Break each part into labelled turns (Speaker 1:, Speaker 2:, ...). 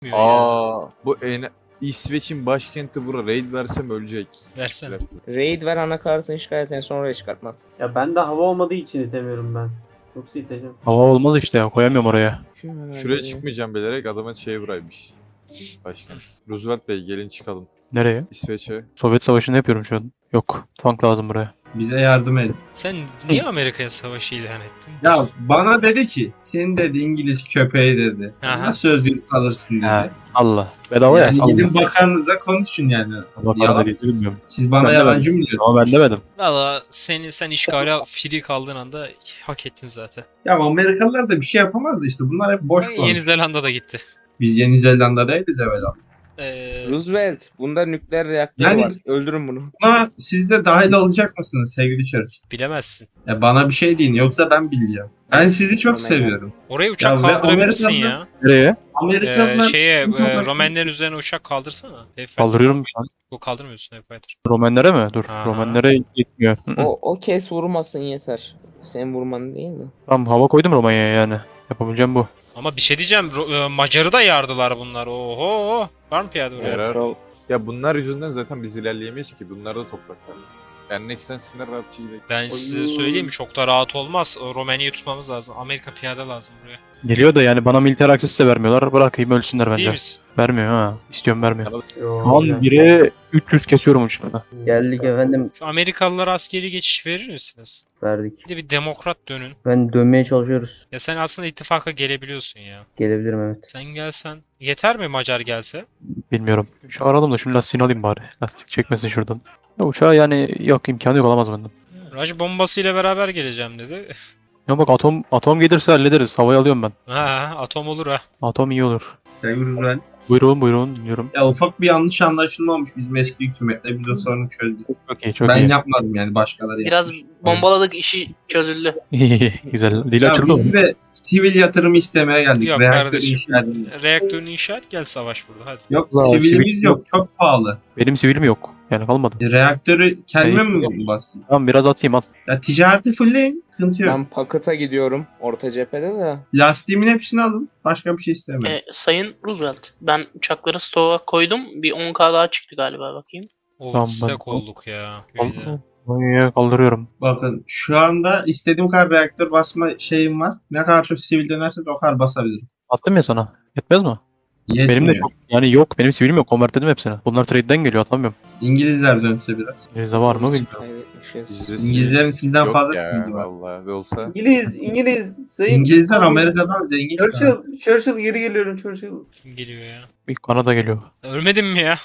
Speaker 1: Bu İsveç'in başkenti bura. Raid versem ölecek.
Speaker 2: Versene.
Speaker 3: Raid ver anakartını şikayet et sonra çıkartma.
Speaker 4: Ya bende hava olmadığı için itemiyorum ben. Yoksa iteceğim.
Speaker 5: Hava olmaz işte ya, koyamıyorum oraya.
Speaker 1: Şuraya çıkmayacağım bilerek adama buraymış. Başkent. Roosevelt Bey gelin çıkalım.
Speaker 5: Nereye?
Speaker 1: İsveç'e.
Speaker 5: Sovyet Savaşı'nı yapıyorum şu an. Yok, tank lazım buraya.
Speaker 4: Bize yardım et.
Speaker 2: Sen niye Amerika'ya savaşı ilan ettin?
Speaker 4: Ya bana dedi ki senin dedi İngiliz köpeği dedi.
Speaker 2: Aha.
Speaker 4: Nasıl özgür kalırsın dedi.
Speaker 5: Ha, Allah. Bedava ya.
Speaker 4: Yani
Speaker 5: salla.
Speaker 4: gidin bakanınıza konuşun yani.
Speaker 5: Allah
Speaker 4: Yalan.
Speaker 5: para dediğini bilmiyorum.
Speaker 4: Siz bana
Speaker 5: Ben
Speaker 4: yalancı mı diyorsunuz?
Speaker 5: Ama ben demedim.
Speaker 2: Valla sen işgale free kaldığın anda hak ettin zaten.
Speaker 4: Ya Amerikalılar da bir şey yapamaz da işte bunlar hep boş
Speaker 2: Yeni
Speaker 4: konuşuyor.
Speaker 2: Zelanda da gitti.
Speaker 4: Biz Yeni Zelanda'dayız evvela.
Speaker 3: Roosevelt bunda nükleer reaktör
Speaker 4: Yani-
Speaker 3: var. Öldürün bunu.
Speaker 4: Buna siz de dahil olacak mısınız sevgili Church?
Speaker 2: Bilemezsin.
Speaker 4: Ya bana bir şey deyin yoksa ben bileceğim. Ben sizi çok
Speaker 3: Aman
Speaker 4: seviyorum.
Speaker 2: Oraya uçak
Speaker 4: Ya ve
Speaker 2: kaldırabilirsin
Speaker 4: Amerika'da-
Speaker 2: ya.
Speaker 5: Nereye?
Speaker 4: Amerikalılar...
Speaker 2: Romenlerin üzerine uçak kaldırsana.
Speaker 5: Kaldırıyorum şu an.
Speaker 2: Bu kaldırmıyorsun Fighter.
Speaker 5: Romenlere mi? Dur.
Speaker 2: Aha.
Speaker 5: Romenlere gitmiyor. Hı hı.
Speaker 3: O kes vurmasın yeter. Sen vurman değil de.
Speaker 5: Tamam, hava koydum Romanya'ya yani. Yapabileceğim bu.
Speaker 2: Ama bir şey diyeceğim. Macar'ı da yardılar bunlar. Oho. Var mı piyade oraya?
Speaker 1: Yarar.
Speaker 3: Troll.
Speaker 1: Ya bunlar yüzünden zaten biz ilerleyemeyiz ki. Bunlar da topraklar. Yani next sensinler rahatça gidelim.
Speaker 2: Ben size söyleyeyim mi? Çok da rahat olmaz. Romanya'yı tutmamız lazım. Amerika piyade lazım buraya.
Speaker 5: Geliyor da yani bana militer access de vermiyorlar. Bırakayım ölsünler
Speaker 2: Değil
Speaker 5: bence.
Speaker 2: misin?
Speaker 5: Vermiyor ha. İstiyorum, vermiyor.
Speaker 4: Yo,
Speaker 5: Şu an
Speaker 4: ya.
Speaker 5: 1'e 300 kesiyorum uçlarına.
Speaker 6: Geldik efendim,
Speaker 2: Şu Amerikalılara askeri geçiş verir misiniz?
Speaker 6: verdik.
Speaker 2: Bir de bir demokrat dönün.
Speaker 6: Ben dönmeye çalışıyoruz.
Speaker 2: Ya sen aslında ittifaka gelebiliyorsun ya.
Speaker 6: Gelebilirim evet.
Speaker 2: Sen gelsen. Yeter mi Macar gelse?
Speaker 5: Bilmiyorum. Şu aralım da şunu lastiğini alayım bari. Lastik çekmesin şuradan. Ya uçağa yani yok, imkanı yok, olamaz benden.
Speaker 2: Raj bombasıyla beraber geleceğim dedi.
Speaker 5: Ya bak, atom gelirse hallederiz. Havayı alıyorum ben.
Speaker 2: Ha, atom olur ha.
Speaker 5: Atom iyi olur.
Speaker 4: Sevgili Roosevelt.
Speaker 5: Buyurun dinliyorum.
Speaker 4: Ya ufak bir yanlış anlaşılma olmuş bizim eski hükümetle. Biz o sorunu çözdük.
Speaker 5: Çok iyi, çok
Speaker 4: Ben
Speaker 5: iyi.
Speaker 4: yapmadım yani başkaları
Speaker 7: Biraz
Speaker 4: yapmış.
Speaker 7: bombaladık, işi çözüldü.
Speaker 5: Güzel. Dil
Speaker 4: Ya
Speaker 5: açıldı mı?
Speaker 4: biz de sivil yatırımı istemeye geldik.
Speaker 2: Yok
Speaker 4: Reaktör
Speaker 2: kardeşim.
Speaker 4: inşa edelim.
Speaker 2: Reaktörünü inşa et gel savaş burada hadi.
Speaker 4: Yok
Speaker 5: Ulan,
Speaker 4: sivilimiz
Speaker 5: sivil
Speaker 4: yok. Çok pahalı.
Speaker 5: Benim sivilim yok. Yani kalmadı.
Speaker 4: Reaktörü kendime
Speaker 5: Hayır.
Speaker 4: mi basayım?
Speaker 5: Tamam, biraz atayım at.
Speaker 4: Ya ticareti fullleyin. Sıkıntı yok.
Speaker 3: Ben Pakıt'a gidiyorum orta cephede de.
Speaker 4: Lastiğimin hepsini alın. Başka bir şey istemiyorum.
Speaker 7: Sayın Roosevelt, ben uçakları stoğa koydum. Bir 10K daha çıktı galiba, bakayım.
Speaker 2: O
Speaker 5: Tamam,
Speaker 2: sıcak
Speaker 5: ben-
Speaker 2: olduk ya. Böyle.
Speaker 5: Kaldırıyorum.
Speaker 4: Bakın şu anda istediğim kadar reaktör basma şeyim var. Ne kadar çok sivil dönerse o kadar basabilirim.
Speaker 5: Attım ya sana. Yetmez mi?
Speaker 4: Yetmiyor.
Speaker 5: Benim de çok. Yani yok. Benim sivilim yok. Convert dedim hepsini. Bunlar trade'den geliyor, atamıyorum.
Speaker 4: İngilizler dönse biraz.
Speaker 5: Elinizde var mı bilmiyorum.
Speaker 3: Kaybetmişiz.
Speaker 4: İngilizlerin sizden
Speaker 1: Yok
Speaker 4: fazla
Speaker 1: ya,
Speaker 4: sivili var.
Speaker 1: vallahi ve olsa.
Speaker 8: İngiliz, sayın.
Speaker 4: İngilizler Amerika'dan zengin. şu an.
Speaker 8: Churchill geri geliyorum Churchill.
Speaker 2: Kim geliyor ya?
Speaker 5: Bir Kanada geliyor.
Speaker 2: Ölmedin mi ya?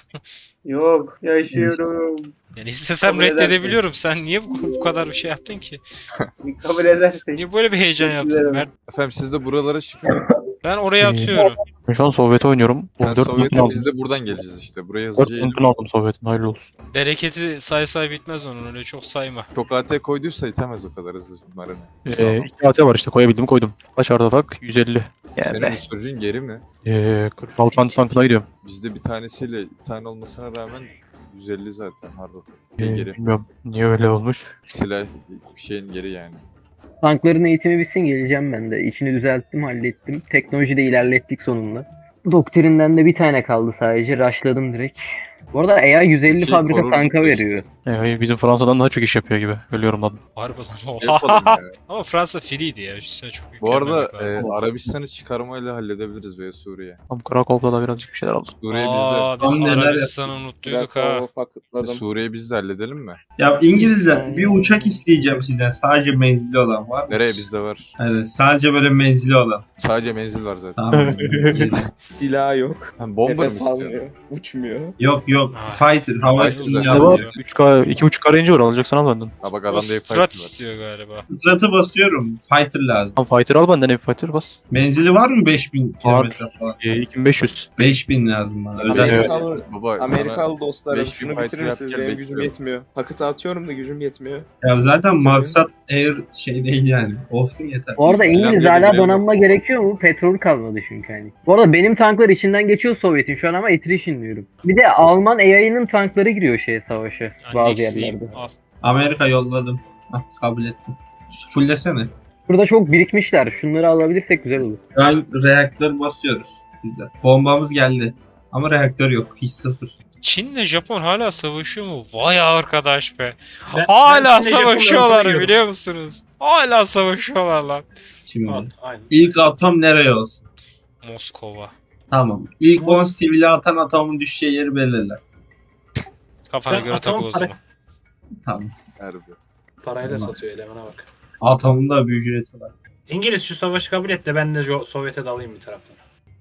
Speaker 8: Yok, yaşıyorum.
Speaker 2: Yani istesem
Speaker 8: Kabul edersin.
Speaker 2: reddedebiliyorum. Sen niye bu kadar bir şey yaptın ki?
Speaker 8: Kabul edersek.
Speaker 2: Niye böyle bir heyecan yaptın?
Speaker 1: Efendim siz de buralara çıkın.
Speaker 2: Ben oraya atıyorum.
Speaker 5: Ben şu an Sovyet'e oynuyorum.
Speaker 1: Sen
Speaker 5: 14
Speaker 1: Sovyet'e
Speaker 5: mümkün aldım.
Speaker 1: biz de buradan geleceğiz işte. Buraya
Speaker 5: 4
Speaker 1: hızlıca
Speaker 5: mümkün aldım Sovyet'in. Hayırlı olsun.
Speaker 2: Bereketi say bitmez onun öyle çok sayma.
Speaker 1: Çok AT koyduysa itemez o kadar hızlı bunların.
Speaker 5: 2 AT var işte, koyabildim koydum. Kaç arda tak? 150.
Speaker 1: Senin
Speaker 5: Yani
Speaker 1: bu sürücün geri mi?
Speaker 5: 46 tankına gidiyorum.
Speaker 1: Bizde bir tanesiyle bir tane olmasına rağmen 150 zaten hard attack. Geri.
Speaker 5: Bilmiyorum niye öyle olmuş.
Speaker 1: Silah bir şeyin geri yani.
Speaker 6: Tankların eğitimi bitsin, geleceğim ben de. İçini düzelttim, hallettim. Teknolojide ilerlettik sonunda. Doktrinden de bir tane kaldı sadece. Rushladım direkt. Bu arada AI 150
Speaker 1: Şey,
Speaker 6: fabrika
Speaker 1: korurduk
Speaker 6: tanka
Speaker 1: da işte.
Speaker 6: veriyor.
Speaker 5: Bizim Fransa'dan daha çok iş yapıyor gibi. Ölüyorum lan.
Speaker 2: Harbiden
Speaker 1: Ne yapalım
Speaker 2: oha.
Speaker 1: ya?
Speaker 2: Ama Fransa free'ydi ya. Üstüne çok
Speaker 1: Bu arada
Speaker 2: yüklenmemek lazım.
Speaker 1: Arabistan'ı çıkarmayla halledebiliriz veya Suriye.
Speaker 5: Tam Krakow'da da birazcık bir şeyler aldım.
Speaker 1: Suriye bizde.
Speaker 2: Aa, biz
Speaker 4: Tam neler
Speaker 2: Arabistan'ı unuttuyduk ha.
Speaker 3: Krakow'u paketladım.
Speaker 1: Suriye biz de halledelim mi?
Speaker 4: Ya İngilizler bir uçak isteyeceğim sizden. Sadece menzili olan var mı?
Speaker 1: Nereye bizde var?
Speaker 4: Evet sadece böyle menzili olan.
Speaker 1: Sadece menzil var zaten.
Speaker 4: Tamam. İyi.
Speaker 3: Silah yok.
Speaker 1: Ha, bomber mı
Speaker 3: Nefes
Speaker 1: istiyorsun?
Speaker 3: almıyor. Uçmuyor.
Speaker 4: Yok
Speaker 2: Ha.
Speaker 4: fighter hava
Speaker 1: Ama
Speaker 4: etkinliği
Speaker 1: güzel.
Speaker 5: Bizde
Speaker 4: yapıyor.
Speaker 5: var. 3K, 2.5K range var, alacaksan al benden.
Speaker 1: Ha bak
Speaker 2: O
Speaker 1: adamda
Speaker 2: strat
Speaker 1: F-Fighter var.
Speaker 2: istiyor galiba.
Speaker 4: Stratı basıyorum. Fighter lazım.
Speaker 5: Tam fighter al benden, fighter bas.
Speaker 4: Menzili var mı 5000 kilometre falan?
Speaker 5: 2500.
Speaker 4: 5000 lazım bana. Özel
Speaker 5: Evet.
Speaker 3: Amerikalı,
Speaker 1: Baba
Speaker 3: Amerikalı dostlarım
Speaker 1: 5000
Speaker 3: şunu
Speaker 1: fighter
Speaker 3: bitirir misiniz?
Speaker 1: yapacaksın,
Speaker 3: Benim gücüm
Speaker 1: bekliyorum.
Speaker 3: yetmiyor. Pakıtı atıyorum da gücüm yetmiyor.
Speaker 4: Ya zaten maksat air şey değil yani. Olsun yeter.
Speaker 6: Bu arada İngiliz
Speaker 1: Finlandiya'da
Speaker 6: hala
Speaker 1: bile
Speaker 6: donanma
Speaker 1: yok.
Speaker 6: gerekiyor mu? Petrol kalmadı çünkü hani. Bu arada benim tanklar içinden geçiyor Sovyet'in şu an ama attrition diyorum. Bir de Alman AI'nin tankları giriyor şeye savaşa
Speaker 2: Yani
Speaker 6: bazı
Speaker 2: eksiğim.
Speaker 6: yerlerde.
Speaker 2: Al.
Speaker 4: Amerika yolladım. Hah, kabul ettim. Fullesene.
Speaker 6: Burada çok birikmişler. Şunları alabilirsek güzel olur.
Speaker 4: Şu an reaktör basıyoruz. Güzel. Bombamız geldi. Ama reaktör yok. Hiç sıfır.
Speaker 2: Çin'le Japon hala savaşıyor mu? Vay arkadaş be.
Speaker 9: Ben
Speaker 2: Hala
Speaker 9: Çin'le Japon'la
Speaker 2: savaşıyorlar
Speaker 9: savaşıyorum.
Speaker 2: biliyor musunuz? Hala savaşıyorlar lan.
Speaker 4: Şimdi.
Speaker 9: Aynen.
Speaker 4: İlk atom nereye olsun?
Speaker 2: Moskova.
Speaker 4: Tamam. İlk 10 sivili atan atomun düşeceği yeri belirler.
Speaker 2: Kafana
Speaker 9: Sen
Speaker 2: göre
Speaker 9: atomu
Speaker 2: takıl o zaman.
Speaker 4: Tamam.
Speaker 1: Harbi.
Speaker 9: Parayla
Speaker 4: Tamam.
Speaker 9: satıyor elemana bak.
Speaker 4: Atomun da bir ücreti var.
Speaker 9: İngiliz şu savaşı kabul et de ben de Sovyet'e dalayım bir taraftan.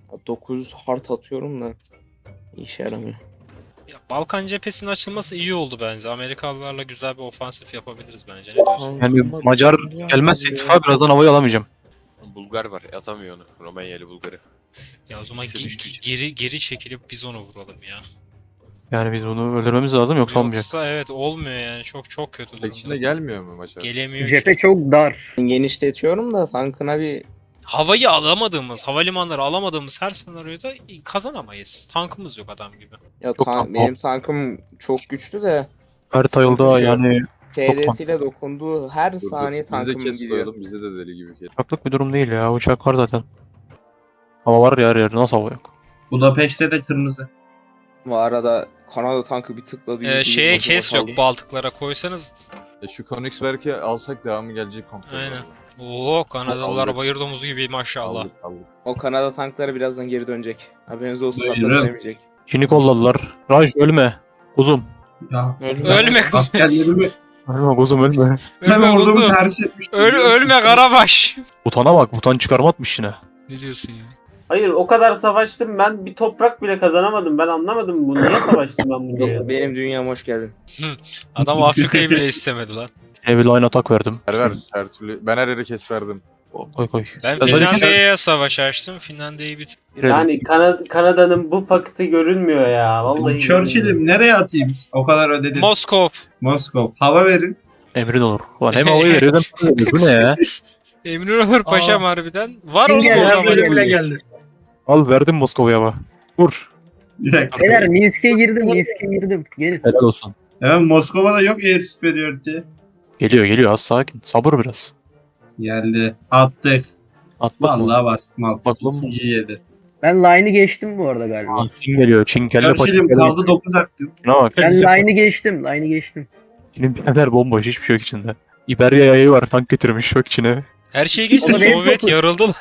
Speaker 3: 9 hard atıyorum da işe yaramıyor.
Speaker 2: Ya, Balkan cephesinin açılması iyi oldu bence. Amerikalılarla güzel bir ofansif yapabiliriz bence. Ne diyorsun?
Speaker 5: Yani Macar gelmezse ittifak birazdan havayı alamayacağım.
Speaker 10: Bulgar var. Yazamıyor onu. Romanyalı Bulgarı.
Speaker 2: Ya o zaman
Speaker 10: İkisi düştüğü için.
Speaker 2: geri çekilip biz onu vuralım ya.
Speaker 5: Yani biz bunu öldürmemiz lazım yoksa olmayacak.
Speaker 2: Yoksa evet olmuyor yani. Çok kötü
Speaker 1: Tek
Speaker 2: durumda.
Speaker 1: içine gelmiyor mu Macar?
Speaker 2: Gelemiyor
Speaker 6: Cephe
Speaker 2: ki.
Speaker 6: çok dar.
Speaker 3: Genişletiyorum da tankına bir
Speaker 2: Havayı alamadığımız, havalimanları alamadığımız her senaryoda kazanamayız. Tankımız yok adam gibi.
Speaker 3: ya
Speaker 5: Yok, tamam.
Speaker 3: benim tankım çok güçlü de
Speaker 5: Her tayılda
Speaker 3: Sıkıntı şu.
Speaker 5: yani
Speaker 3: TD'siyle dokunduğu her
Speaker 1: Dur,
Speaker 3: saniye
Speaker 1: dur. Biz de
Speaker 3: tankım
Speaker 1: kes
Speaker 3: gidiyor.
Speaker 1: koyalım. Bizde de deli gibi kes.
Speaker 5: uçaklık bir durum değil ya. Uçak var zaten. Hava var ya her yerde. Nasıl hava yok?
Speaker 4: Budapeşte de kırmızı.
Speaker 3: Bu arada Kanada tankı bir tıkladı.
Speaker 2: Şeye kes yok, Baltıklara koysanız.
Speaker 1: Şu Königsberg'i alsak devamı gelecek komple.
Speaker 2: Aynen. Oo Kanadalılar
Speaker 1: Aldık.
Speaker 2: bayır domuzu gibi maşallah.
Speaker 1: Aldık aldık.
Speaker 3: O Kanada tankları birazdan geri dönecek. Haberiniz olsun, hatta
Speaker 4: Buyurun.
Speaker 3: dönemeyecek.
Speaker 5: Çin'i kolladılar. Raj ölme. Kuzum.
Speaker 4: Ya.
Speaker 2: Ölme.
Speaker 4: Askerlerimi
Speaker 5: Ölme kuzum ölme.
Speaker 4: ben
Speaker 2: Ölme
Speaker 4: ordumu
Speaker 2: kuzum.
Speaker 4: ters etmiştim.
Speaker 2: Ölme Karabaş.
Speaker 5: Butana bak. Butan çıkarma atmış yine.
Speaker 2: Ne diyorsun ya?
Speaker 8: Hayır o kadar savaştım ben bir toprak bile kazanamadım. Ben anlamadım bu. Niye savaştım ben bunu ya?
Speaker 3: Benim dünyama hoş geldin.
Speaker 2: Adam Afrika'yı bile istemedi lan.
Speaker 5: Çin'e bir line atak verdim.
Speaker 1: Ver her türlü. Ben her yere kes verdim.
Speaker 5: Koy koy.
Speaker 2: Ben
Speaker 5: Özellikle-
Speaker 2: Finlandiya'ya savaş açtım. Finlandiya'yı bit.
Speaker 8: Yani Kanada'nın bu paketi görünmüyor ya. Vallahi.
Speaker 4: Churchill'im nereye atayım? O kadar ödedim.
Speaker 2: Moskov.
Speaker 4: Moskova. Hava verin.
Speaker 5: Emrin olur. Ulan hem havayı veriyor hem para veriyor. Bu ne ya?
Speaker 2: Eminönü Paşam harbiden. Var
Speaker 6: Kim
Speaker 2: oğlum
Speaker 6: geldi?
Speaker 2: orada.
Speaker 9: Biraz
Speaker 6: böyle
Speaker 9: öyle bile geldi.
Speaker 5: Al verdim Moskova'ya bak. Vur.
Speaker 4: Bir dakika.
Speaker 6: Beyler Minsk'e girdim. Gelin.
Speaker 5: Helal olsun.
Speaker 4: Evet Moskova'da yok Air Superiority.
Speaker 5: Geliyor az sakin. Sabır biraz.
Speaker 4: Geldi. Attık.
Speaker 5: Atlatma.
Speaker 4: Vallahi bastım al.
Speaker 5: Bakalım.
Speaker 4: İkinci yedi.
Speaker 6: Ben line'ı geçtim bu arada galiba.
Speaker 5: Çin geliyor. Çin kelle paça.
Speaker 4: Churchill'im kaldı 9 hakkım.
Speaker 5: Şuna bak.
Speaker 6: Ben line'ı geçtim.
Speaker 5: Çin'in birader bomboş. Hiçbir şey yok içinde. İberya yayı var. Tank getirmiş. Bak içine.
Speaker 2: Her şey geçti.
Speaker 6: Ama benim
Speaker 2: Sovyet
Speaker 6: topu-
Speaker 2: yarıldı lan.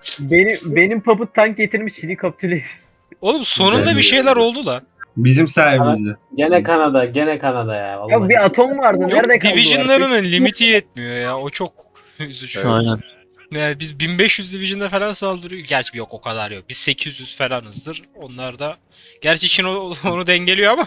Speaker 6: Benim papıt tank getirmiş Çin'i kapitüle.
Speaker 2: Oğlum sonunda bir şeyler oldu lan.
Speaker 4: Bizim sayemizde.
Speaker 8: Gene Kanada ya. Vallahi.
Speaker 6: Ya bir atom vardı. Nerede kaldı? o
Speaker 2: Division'larının limiti yetmiyor ya. O çok üzücü.
Speaker 1: Evet.
Speaker 5: Aynen.
Speaker 2: Yani biz 1500 Division'da falan saldırıyor. Gerçi yok o kadar yok. Biz 800 falanızdır. Onlar da gerçi Çin onu dengeliyor ama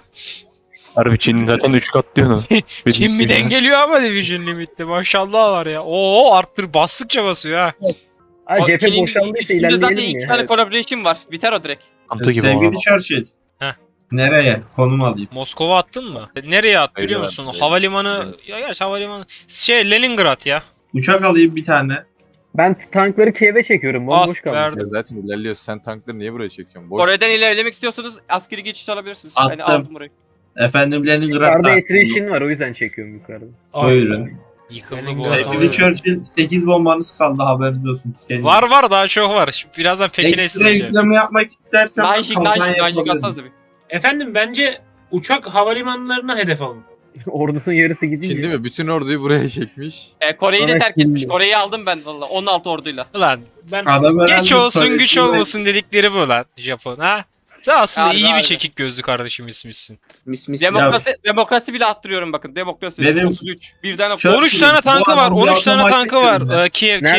Speaker 5: Harbi Çin zaten 3 kat diyor onu.
Speaker 2: Çin mi dengeliyor ama Division limitte. Maşallah var ya. Oo arttır bastıkça basıyor ha.
Speaker 6: Ay cephe
Speaker 10: Çin'in
Speaker 6: boşaldıysa
Speaker 10: üstünde zaten
Speaker 6: ilerleyelim
Speaker 10: iki
Speaker 6: ya.
Speaker 10: tane collaboration var. Biter o direkt.
Speaker 5: Antı gibi
Speaker 4: Sevgili
Speaker 5: o.
Speaker 4: Churchill.
Speaker 2: Heh.
Speaker 4: Nereye? Konum alayım.
Speaker 2: Moskova attın mı? Nereye at biliyor
Speaker 1: Hayır,
Speaker 2: musun?
Speaker 1: hayır.
Speaker 2: Havalimanı ya gerçi havalimanı Leningrad ya.
Speaker 4: Uçak alayım bir tane.
Speaker 6: Ben tankları Kiev'e çekiyorum. Bomboş
Speaker 2: Al,
Speaker 6: kaldı.
Speaker 2: verdim.
Speaker 1: Ya zaten ilerliyoruz. Sen tankları niye buraya çekiyorsun? Boş.
Speaker 10: Kore'den ilerlemek istiyorsanız askeri geçiş alabilirsiniz.
Speaker 4: Attım.
Speaker 10: Yani aldım burayı.
Speaker 4: Efendim Leningrad'da.
Speaker 6: Yukarıda attrition var o yüzden çekiyorum yukarıda.
Speaker 4: Buyurun.
Speaker 2: Yıkıldı bu
Speaker 9: Leningrad
Speaker 2: arada.
Speaker 9: tamam.
Speaker 4: Sevgili Churchill 8 bombanız kaldı haberiniz olsun.
Speaker 2: Var daha çok var. Şimdi birazdan Pekin'e
Speaker 4: Ekstra
Speaker 2: isteyeceğim.
Speaker 4: yükleme yapmak istersen
Speaker 10: Nanjing alsanıza bir.
Speaker 9: Efendim bence uçak havalimanlarına hedef alın.
Speaker 6: Ordusun yarısı gidince.
Speaker 1: Çin değil mi? Bütün orduyu buraya çekmiş.
Speaker 10: Kore'yi de
Speaker 6: Evet,
Speaker 10: terk etmiş.
Speaker 6: şimdi.
Speaker 10: Kore'yi aldım ben valla 16 orduyla.
Speaker 2: Ulan
Speaker 9: Ben
Speaker 4: Adam herhalde
Speaker 2: geç olsun
Speaker 4: Sovyet'in
Speaker 2: güç olmasın dedikleri bu lan Japon ha. Sen aslında
Speaker 10: Harbi,
Speaker 2: iyi bir
Speaker 10: harbi.
Speaker 2: çekik gözlü kardeşim ismişsin.
Speaker 3: Mis.
Speaker 10: Demokrasi bile attırıyorum bakın. Demokrasi.
Speaker 4: Benim-
Speaker 10: 33. Birden
Speaker 4: Churchill,
Speaker 2: 13 tane
Speaker 4: bu
Speaker 2: tankı var.
Speaker 4: adam
Speaker 2: 13 tane
Speaker 4: bir
Speaker 2: tankı
Speaker 4: otomatik
Speaker 2: var.
Speaker 4: mi?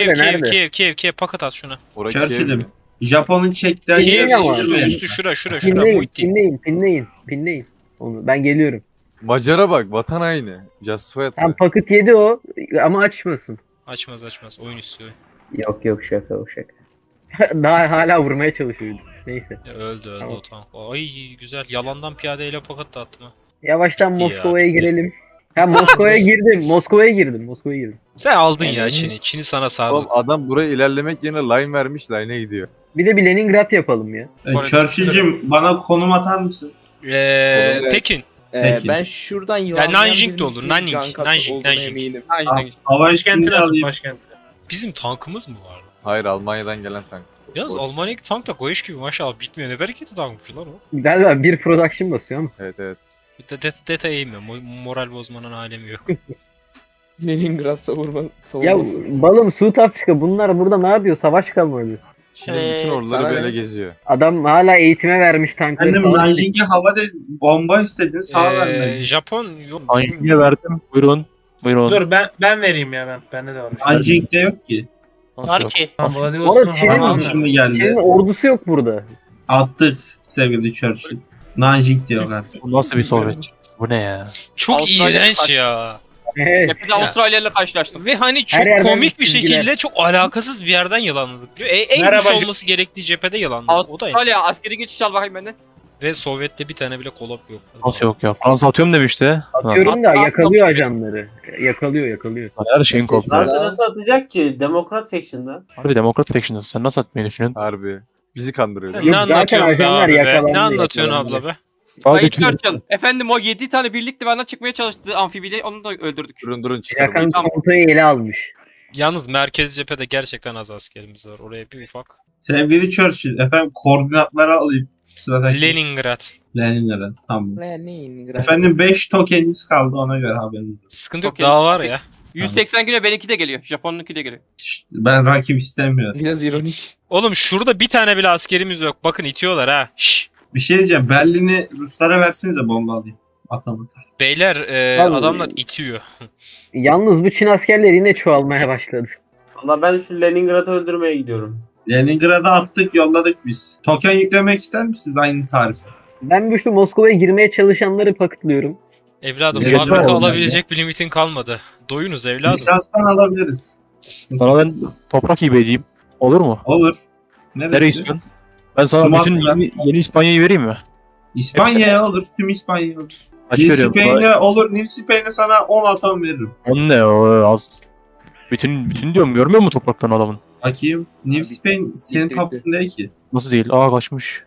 Speaker 2: Kiev paket at şuna.
Speaker 1: Oraya
Speaker 4: Churchill'im.
Speaker 1: Kiev mi?
Speaker 4: Japon'un çektiği
Speaker 6: Kiev
Speaker 2: Kiev
Speaker 6: ama.
Speaker 2: üstü şura
Speaker 6: Pinleyin,
Speaker 2: Muhittin.
Speaker 6: pinleyin. Onu ben geliyorum.
Speaker 1: Macar'a bak. Vatan aynı. Justify etme.
Speaker 6: Tam paket yedi o ama açmasın.
Speaker 2: Açmaz oyun istiyor.
Speaker 6: Yok şaka o şaka. Daha hala vurmaya çalışıyordu. Neyse.
Speaker 2: Ya öldü
Speaker 6: Tamam.
Speaker 2: o tank. Ay güzel yalandan piyadeyle paket de attım ha.
Speaker 6: Yavaştan
Speaker 2: Bitti ya,
Speaker 6: Moskova'ya
Speaker 2: bitti.
Speaker 6: girelim. Ha Moskova'ya girdim.
Speaker 2: Sen aldın ya Çin'i. Çin'i sana sağlık.
Speaker 1: Oğlum adam buraya ilerlemek yerine line vermiş. Line'e gidiyor.
Speaker 6: Bir de bir Leningrad yapalım ya.
Speaker 4: Churchill'cim bana konum atar mısın?
Speaker 2: Pekin.
Speaker 4: Peki.
Speaker 3: Ben şuradan
Speaker 2: Ya Nanjing de olur. Nanjing.
Speaker 3: Eminim.
Speaker 10: Nanjing.
Speaker 4: Hava
Speaker 9: başkentine
Speaker 4: üstünde
Speaker 9: atın
Speaker 4: alayım.
Speaker 9: başkentine.
Speaker 2: Bizim tankımız mı vardı?
Speaker 1: Hayır Almanya'dan gelen tank.
Speaker 2: Yalnız Almanya'daki tank da koyuş gibi maşallah bitmiyor. Ne bereketi tankmış lan o.
Speaker 6: Galiba bir production basıyor ama.
Speaker 1: Evet evet.
Speaker 2: Detaya inmiyor. Moral bozmanın alemi yok.
Speaker 3: Leningrad
Speaker 6: Ya
Speaker 3: savunması.
Speaker 6: balım Suud Afrika bunlar burada ne yapıyor? Savaş kalmadı.
Speaker 1: Çin'in bütün orduları
Speaker 3: sana
Speaker 1: böyle
Speaker 3: ne?
Speaker 1: geziyor.
Speaker 6: Adam hala eğitime vermiş tankları.
Speaker 4: Efendim
Speaker 6: savaş-
Speaker 4: Nanjing'e havada bomba istediniz. Hava vermedi.
Speaker 2: Japon yok.
Speaker 5: Hangiye verdim? Buyurun. Buyurun.
Speaker 9: Dur ben vereyim ya ben. Bende de var.
Speaker 4: Nanjing'de yok ki.
Speaker 5: Nasıl
Speaker 7: Var
Speaker 5: yok?
Speaker 7: ki.
Speaker 9: Tamam,
Speaker 6: Orada
Speaker 9: Vladivostok'un
Speaker 6: Çin'in-
Speaker 9: hava-
Speaker 4: Tamam şimdi geldi.
Speaker 6: Çin'in ordusu yok burada.
Speaker 4: Attık sevgili Churchill. Nanjing diyorlar.
Speaker 5: Bu nasıl bir Sovyetçi? Bu ne ya?
Speaker 2: Çok
Speaker 10: Avustralya
Speaker 2: iğrenç
Speaker 10: kaç-
Speaker 2: ya.
Speaker 6: Evet.
Speaker 10: Tepede Avustralya ile karşılaştım.
Speaker 2: Ve hani çok
Speaker 6: Her yerden
Speaker 2: komik bir
Speaker 6: çizgiler.
Speaker 2: şekilde çok alakasız bir yerden yalanladık. En
Speaker 9: Merhaba,
Speaker 2: güç olması gerektiği cephede yalanladık. O da
Speaker 10: Avustralya askeri geçiş al bakayım benden.
Speaker 2: Ve Sovyet'te bir tane bile kolop yok.
Speaker 5: Nasıl yok ya? Fransa atıyorum demişti.
Speaker 6: Atıyorum da yakalıyor ajanları. Yakalıyor.
Speaker 5: Her şeyin
Speaker 3: Sessiz.
Speaker 5: koptu.
Speaker 8: Fransa nasıl atacak ki? Demokrat Faction'da.
Speaker 5: Harbi Demokrat Faction'ız. Sen nasıl atmayı düşünüyorsun?
Speaker 1: Harbi. Bizi kandırıyor.
Speaker 6: Yok,
Speaker 2: Ne
Speaker 6: zaten
Speaker 2: anlatıyorsun be
Speaker 6: ajanlar
Speaker 2: abi be?
Speaker 6: yakalandı,
Speaker 2: Ne anlatıyorsun
Speaker 6: yakalandı.
Speaker 2: abla be?
Speaker 10: Sayın
Speaker 5: Sadece
Speaker 10: Churchill. Efendim o 7 tane birlikte benden çıkmaya çalıştı amfibiyle onu da öldürdük.
Speaker 1: Durun çıkarım.
Speaker 6: Yakan komutanı ele almış.
Speaker 2: Yalnız merkez cephede gerçekten az askerimiz var. Oraya bir ufak.
Speaker 4: Sevgili Churchill efendim koordinatları alayım. Sıradaki
Speaker 2: Leningrad.
Speaker 4: Leningrad. Tamam.
Speaker 3: Leningrad.
Speaker 4: Efendim 5 tokeniniz kaldı ona göre haberiniz. olsun.
Speaker 2: Sıkıntı yok
Speaker 10: Okey.
Speaker 2: daha var ya.
Speaker 10: 180 güne benimki de geliyor. Japon'unki de geliyor.
Speaker 4: Şşt, ben rakip istemiyorum.
Speaker 3: Biraz ironik.
Speaker 2: Oğlum şurada bir tane bile askerimiz yok. Bakın itiyorlar ha. Şşş.
Speaker 4: Bir şey diyeceğim. Berlin'i Ruslara versenize bomba alayım. Atamadı.
Speaker 2: Beyler
Speaker 6: Abi-
Speaker 2: adamlar itiyor.
Speaker 6: Yalnız bu Çin askerleri yine çoğalmaya başladı.
Speaker 8: Valla ben şu Leningrad'ı öldürmeye gidiyorum.
Speaker 4: Leningrad'a attık yolladık biz. Token yüklemek ister misiniz aynı tarife?
Speaker 6: Ben bir şu Moskova'ya girmeye çalışanları pakıtlıyorum.
Speaker 2: Evladım
Speaker 4: Evet,
Speaker 2: fabrika
Speaker 4: evet.
Speaker 2: alabilecek bir limitin kalmadı. Doyunuz evladım.
Speaker 4: Lisanstan alabiliriz.
Speaker 5: sana ben toprak hibe edeyim. Olur mu?
Speaker 4: Olur. Neresi?
Speaker 5: Nereye istiyorsun? Ben sana
Speaker 4: Sumatra.
Speaker 5: bütün yeni İspanya'yı vereyim mi?
Speaker 4: İspanya'ya olur. Tüm İspanya'ya olur.
Speaker 5: Kaç
Speaker 4: New
Speaker 5: veriyorum?
Speaker 4: Spain'e olur. New Spain'e sana 10 atom veririm.
Speaker 5: On ne o az. Bütün diyorum görmüyor musun topraktan adamın?
Speaker 4: Bakayım. New Spain senin
Speaker 3: bitti.
Speaker 4: kapısın değil ki.
Speaker 5: Nasıl değil? Aa kaçmış.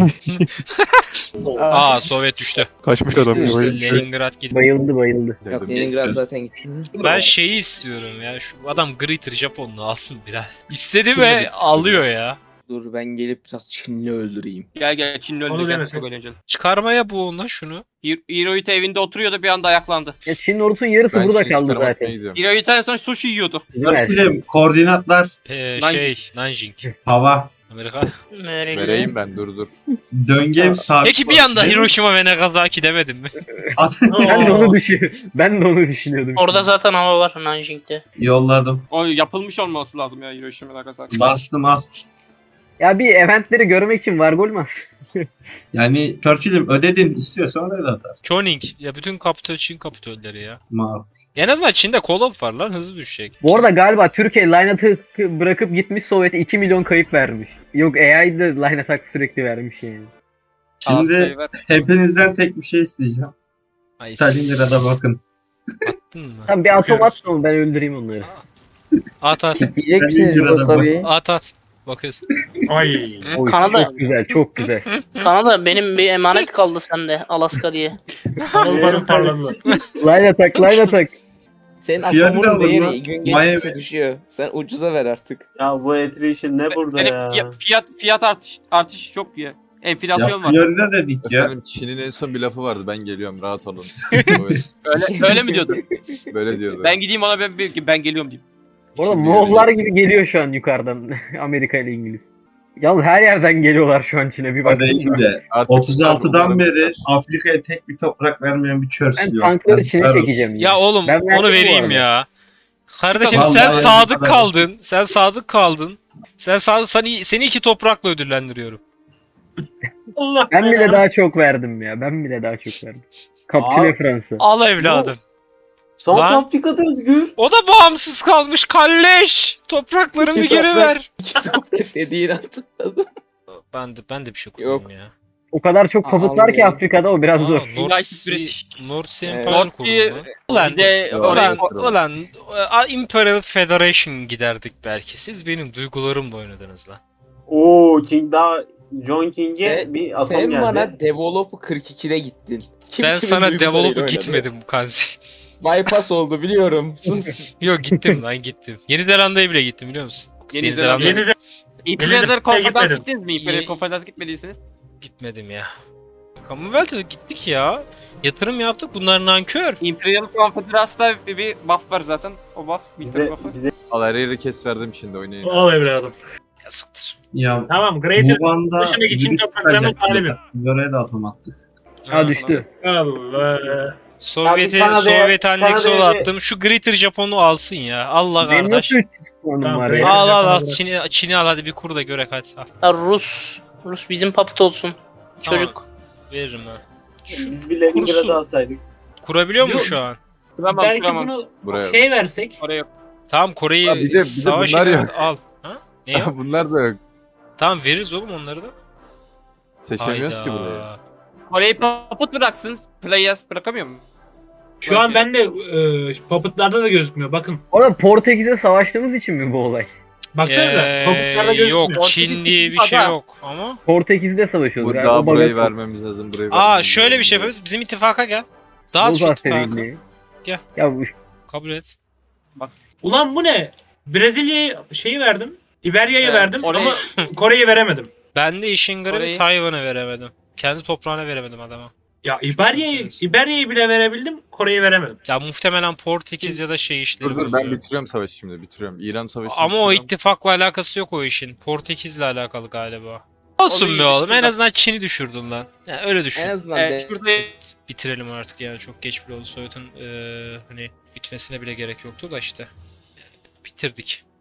Speaker 2: Aa Sovyet düştü.
Speaker 5: Kaçmış adam.
Speaker 3: İşte
Speaker 2: Leningrad gitti.
Speaker 6: Bayıldı.
Speaker 3: Yok Leningrad zaten gitti.
Speaker 2: Ben şeyi istiyorum ya. Şu adam Greater Japonlu alsın Bilal. İstedi ve alıyor ya.
Speaker 3: Dur ben gelip biraz Çinli öldüreyim.
Speaker 10: Gel Çinli
Speaker 9: Onu
Speaker 10: öldü. Gel.
Speaker 9: demesin.
Speaker 10: Çok eğlenceli.
Speaker 2: Çıkarmaya bu ona şunu.
Speaker 10: Hirohito evinde oturuyordu bir anda ayaklandı.
Speaker 6: Ya Çin'in ordusunun yarısı
Speaker 1: Ben
Speaker 6: burada
Speaker 1: şey
Speaker 6: kaldı
Speaker 1: çıkarım atmaya
Speaker 6: zaten.
Speaker 1: gidiyorum.
Speaker 10: Hirohito en son sushi yiyordu.
Speaker 6: Değil mi?
Speaker 4: Churchill'im koordinatlar
Speaker 2: Nanjing.
Speaker 4: hava.
Speaker 2: Amerika.
Speaker 1: Vereyim ben dur.
Speaker 4: Döngem sabit.
Speaker 2: Peki bir anda
Speaker 4: Benim-
Speaker 2: Hiroşima ve Nagasaki demedim mi?
Speaker 6: Ben de onu düşünüyordum.
Speaker 7: Orada zaten hava var Nanjing'de.
Speaker 4: Yolladım.
Speaker 10: O yapılmış olması lazım ya Hiroşima Nagasaki.
Speaker 4: Bastım al.
Speaker 6: Ya bir eventleri görmek için var gol mü?
Speaker 4: Yani Churchill'im ödedin istiyorsan öyle atar.
Speaker 2: Choning. Ya bütün kapitol Çin kapitolleri ya.
Speaker 4: Maaf.
Speaker 2: En azından Çin'de kolop var lan hızlı düşecek.
Speaker 6: Bu arada galiba Türkiye line attack bırakıp gitmiş Sovyet'e 2 milyon kayıp vermiş. Yok AI da line attack sürekli vermiş yani.
Speaker 4: Şimdi
Speaker 10: Askeri ver.
Speaker 4: hepinizden tek bir şey isteyeceğim.
Speaker 2: Ay,
Speaker 4: Stalingrad'a bakın.
Speaker 2: Attın mı?
Speaker 6: Tamam bir atom
Speaker 9: Bakıyoruz.
Speaker 6: at ben öldüreyim onları.
Speaker 2: At at.
Speaker 3: Diyecek misiniz
Speaker 4: Stalingrad'a
Speaker 3: Yugoslavya'yı?
Speaker 2: At. Bakıyorsun.
Speaker 9: Ay.
Speaker 6: Oy,
Speaker 7: Kanada.
Speaker 6: Çok güzel çok güzel.
Speaker 7: Kanada benim bir emanet kaldı sende Alaska diye.
Speaker 9: Onların parladılar.
Speaker 6: Line attack.
Speaker 3: Senin
Speaker 4: Fiyatı da
Speaker 3: atomunun
Speaker 4: alın lan.
Speaker 3: değeri gün
Speaker 4: Miami.
Speaker 3: geçtikçe düşüyor. Sen ucuza ver artık.
Speaker 8: Ya bu attrition ne burada
Speaker 10: Senin
Speaker 8: ya?
Speaker 10: fiyat artışı çok ya. Enflasyon var.
Speaker 4: Florida dedik ya.
Speaker 1: Efendim Çin'in en son bir lafı vardı. Ben geliyorum rahat olun.
Speaker 10: Öyle mi diyordun?
Speaker 1: Böyle diyordu.
Speaker 10: Ben gideyim ona ben geliyorum diyeyim.
Speaker 6: Orada
Speaker 1: Şimdi
Speaker 6: Moğollar
Speaker 1: göreceksin.
Speaker 6: gibi geliyor şu an yukarıdan Amerika ile İngiliz. Yalnız her yerden geliyorlar şu an Çin'e bir
Speaker 4: O
Speaker 6: bak.
Speaker 4: değil de.
Speaker 1: Artık
Speaker 4: 36'dan
Speaker 1: bunların-
Speaker 4: beri Afrika'ya tek bir toprak vermeyen bir Churchill
Speaker 6: Ben
Speaker 4: yok.
Speaker 6: tankları
Speaker 4: Yazıklar
Speaker 6: Çin'e
Speaker 4: olsun.
Speaker 6: çekeceğim.
Speaker 2: Ya oğlum
Speaker 6: Ben verdim
Speaker 2: onu
Speaker 6: bu
Speaker 2: vereyim
Speaker 6: arada.
Speaker 2: ya. Kardeşim
Speaker 4: Vallahi
Speaker 2: sen
Speaker 4: ben
Speaker 2: sadık
Speaker 4: kadar-
Speaker 2: kaldın. Sen sadık kaldın. Seni 2 toprakla ödüllendiriyorum.
Speaker 9: Allah
Speaker 6: Ben bile
Speaker 9: belanı.
Speaker 6: daha çok verdim ya. Ben bile daha çok verdim. Kapitüle
Speaker 8: Aa.
Speaker 6: Fransa.
Speaker 2: Al evladım.
Speaker 8: South
Speaker 2: Lan.
Speaker 8: Afrika'da özgür.
Speaker 2: O da bağımsız kalmış kalleş. Topraklarımı
Speaker 3: İki
Speaker 2: geri
Speaker 3: toprak.
Speaker 2: ver.
Speaker 3: Dediğin hatırladım.
Speaker 2: Ben de bir şey
Speaker 3: Yok.
Speaker 2: koyayım ya.
Speaker 6: O kadar çok papıt var ki
Speaker 3: Abi.
Speaker 6: Afrika'da o biraz zor.
Speaker 2: North
Speaker 10: United
Speaker 2: Sea,
Speaker 10: British.
Speaker 2: North Sea
Speaker 3: Evet.
Speaker 2: Empire
Speaker 10: North Sea-
Speaker 2: kuruldu. Ulan,
Speaker 10: Bir de
Speaker 1: Ulan,
Speaker 2: ulan Imperial Federation giderdik belki. Siz benim duygularımla oynadınız lan.
Speaker 8: Oo King daha John King'e
Speaker 3: Sen,
Speaker 8: bir atom
Speaker 3: sen
Speaker 8: geldi.
Speaker 3: bana Develop'u 42'de gittin. Kim
Speaker 2: Ben
Speaker 3: kimin
Speaker 2: sana
Speaker 3: duygularıyla
Speaker 2: develop'u
Speaker 3: oynadı?
Speaker 2: gitmedim Kanzi.
Speaker 3: Bypass oldu biliyorum. Sus.
Speaker 2: Yok gittim lan gittim. Yeni Zelanda'ya bile gittim biliyor musun?
Speaker 10: Yeni Zelanda.
Speaker 9: Yeni
Speaker 10: İmperial Konferans
Speaker 9: gitmedim.
Speaker 10: gittiniz mi? İmperial Konferans gitmediyseniz.
Speaker 2: Gitmedim ya. Commonwealth'e gittik ya. Yatırım yaptık. Bunlar nankör.
Speaker 10: Imperial Konfederasyon'da bir buff var zaten. O buff. Military
Speaker 8: Bize,
Speaker 10: buff'ı.
Speaker 8: bize
Speaker 1: Al her yeri kes verdim şimdi oynayın.
Speaker 9: Al evladım.
Speaker 2: Yazıktır.
Speaker 4: Ya
Speaker 9: Tamam Greater
Speaker 4: Wuhan'da
Speaker 9: dışındaki Çin
Speaker 4: virüs
Speaker 9: topraklarının
Speaker 4: çıkacak.
Speaker 9: talebi.
Speaker 4: Biz oraya da atom attık.
Speaker 6: Ha düştü.
Speaker 9: Allah.
Speaker 2: Sovyet'e
Speaker 8: Kanada'ya-
Speaker 2: Sovyet anneksiyonu
Speaker 8: Kanada'ya bir-
Speaker 2: attım. Şu Greater Japon'u alsın ya. Allah
Speaker 6: Benim
Speaker 2: kardeş.
Speaker 6: nasıl 300 puanım
Speaker 9: Tamam,
Speaker 6: var
Speaker 9: Greater-
Speaker 6: ya?
Speaker 2: Al al al.
Speaker 9: Japon'u
Speaker 2: Çin'i al hadi bir kur da görek hadi. Al.
Speaker 7: Ya Rus bizim puppet olsun. Çocuk.
Speaker 2: Veririm ha. Şu,
Speaker 8: biz bir Leningrad'ı
Speaker 2: kursun.
Speaker 8: alsaydık.
Speaker 2: kurabiliyor mu
Speaker 9: Yok.
Speaker 2: şu an?
Speaker 10: Kuramam
Speaker 9: Belki
Speaker 10: kuramam.
Speaker 9: bunu
Speaker 1: Buraya.
Speaker 9: şey versek.
Speaker 10: Oraya yok.
Speaker 2: Tamam Kore'yi
Speaker 1: Ha, bir de
Speaker 2: savaş
Speaker 1: bunlar
Speaker 2: ilan-
Speaker 1: yok.
Speaker 2: al. Ha? Ne yok?
Speaker 1: Bunlar da yok.
Speaker 2: Tamam veririz oğlum onları da.
Speaker 1: Seçemiyoruz ki
Speaker 2: Hayda.
Speaker 1: burayı.
Speaker 10: Orayı paput bıraksın. Players bırakamıyor mu?
Speaker 9: Şu an bende puppetlarda da gözükmüyor. Bakın.
Speaker 6: Orada Portekiz'e savaştığımız için mi bu olay?
Speaker 9: Baksanıza. Puppetlarda gözükmüyor.
Speaker 2: Yok Çin diye bir şey
Speaker 10: Ada.
Speaker 2: yok ama.
Speaker 6: Portekiz'de savaşıyoruz.
Speaker 1: Bu
Speaker 6: yani.
Speaker 1: daha
Speaker 6: O
Speaker 1: burayı
Speaker 6: baga-
Speaker 1: vermemiz lazım. Burayı
Speaker 2: Aa
Speaker 1: vermemiz
Speaker 2: şöyle
Speaker 1: lazım.
Speaker 2: bir şey yapabiliriz. Bizim ittifaka gel. Dağıt şu
Speaker 6: Bozar
Speaker 2: ittifakı.
Speaker 6: sevindiği.
Speaker 2: Gel.
Speaker 6: Ya bu
Speaker 2: Kabul et.
Speaker 9: Ulan bu ne? Brezilya'yı şeyi verdim. İberya'yı verdim
Speaker 10: orayı-
Speaker 9: ama Kore'yi veremedim.
Speaker 2: Ben de işin garibi
Speaker 10: Orayı-
Speaker 2: Tayvan'a veremedim. Kendi toprağına veremedim adama.
Speaker 9: Ya
Speaker 2: enteresan.
Speaker 9: İberya'yı bile verebildim. Kore'yi veremedim.
Speaker 2: Ya muhtemelen Portekiz ya da şey işleri
Speaker 1: Dur dur ben
Speaker 2: bozuyor.
Speaker 1: bitiriyorum savaşı şimdi bitiriyorum. İran savaşı.
Speaker 2: Ama o ittifakla alakası yok o işin. Portekiz'le alakalı galiba. Olsun
Speaker 10: Onu
Speaker 2: be oğlum. En
Speaker 10: şurada-
Speaker 2: azından Çin'i düşürdün lan. Ya öyle düşün.
Speaker 3: En azından
Speaker 10: Şurada
Speaker 2: Bitirelim artık ya. Çok geç bile oldu. Sovyet'in hani bitmesine bile gerek yoktu da işte. Bitirdik.